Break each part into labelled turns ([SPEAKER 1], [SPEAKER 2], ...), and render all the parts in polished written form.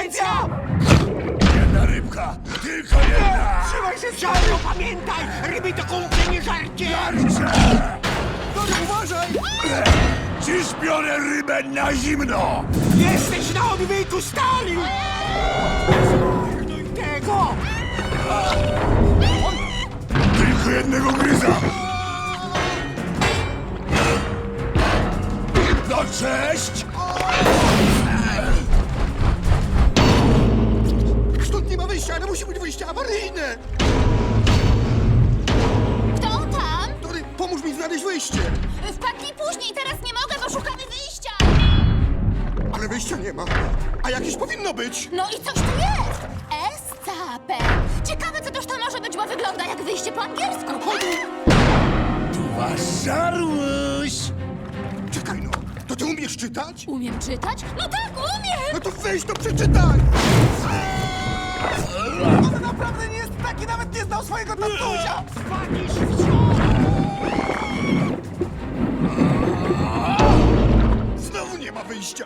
[SPEAKER 1] Konkurencja!
[SPEAKER 2] Jedna rybka, tylko jedna!
[SPEAKER 1] Trzymaj się, Żarło, pamiętaj! Ryby to kumplie, nie żarcie!
[SPEAKER 2] Jarcie!
[SPEAKER 1] Uważaj!
[SPEAKER 2] Dziś biorę rybę na zimno!
[SPEAKER 1] Jesteś na odwyku, stali! Zmarnuj tego!
[SPEAKER 2] Tylko jednego gryza! No cześć!
[SPEAKER 1] Stąd nie ma wyjścia, ale musi być wyjście awaryjne!
[SPEAKER 3] Kto tam?
[SPEAKER 1] Tory, pomóż mi znaleźć wyjście!
[SPEAKER 3] Wpadnij później, teraz nie mogę, bo szukamy wyjścia!
[SPEAKER 1] Ale wyjścia nie ma. A jakieś powinno być!
[SPEAKER 3] No i coś tu jest! Escape! Ciekawe, co toż to może być, bo wygląda jak wyjście po angielsku.
[SPEAKER 2] Tu wasz żarłuś!
[SPEAKER 1] Czekaj no, to ty umiesz czytać?
[SPEAKER 3] Umiem czytać? No tak, umiem!
[SPEAKER 1] No to weź to przeczytaj! On naprawdę nie jest taki, nawet nie znał swojego tatusia! Spanisz Znowu nie ma wyjścia!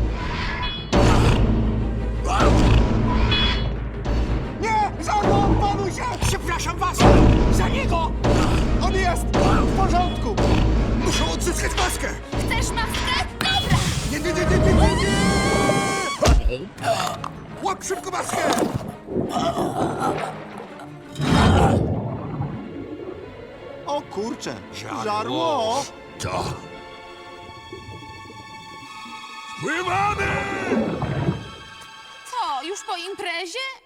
[SPEAKER 1] Nie! Żarło, panuj się! Przepraszam was! Za niego! On jest w porządku! Muszę odzyskać maskę!
[SPEAKER 3] Chcesz maskę? Dobra!
[SPEAKER 1] Nie! Łap szybko maskę! O kurczę! Żarło!
[SPEAKER 2] To... Pływamy!
[SPEAKER 3] Co, już po imprezie?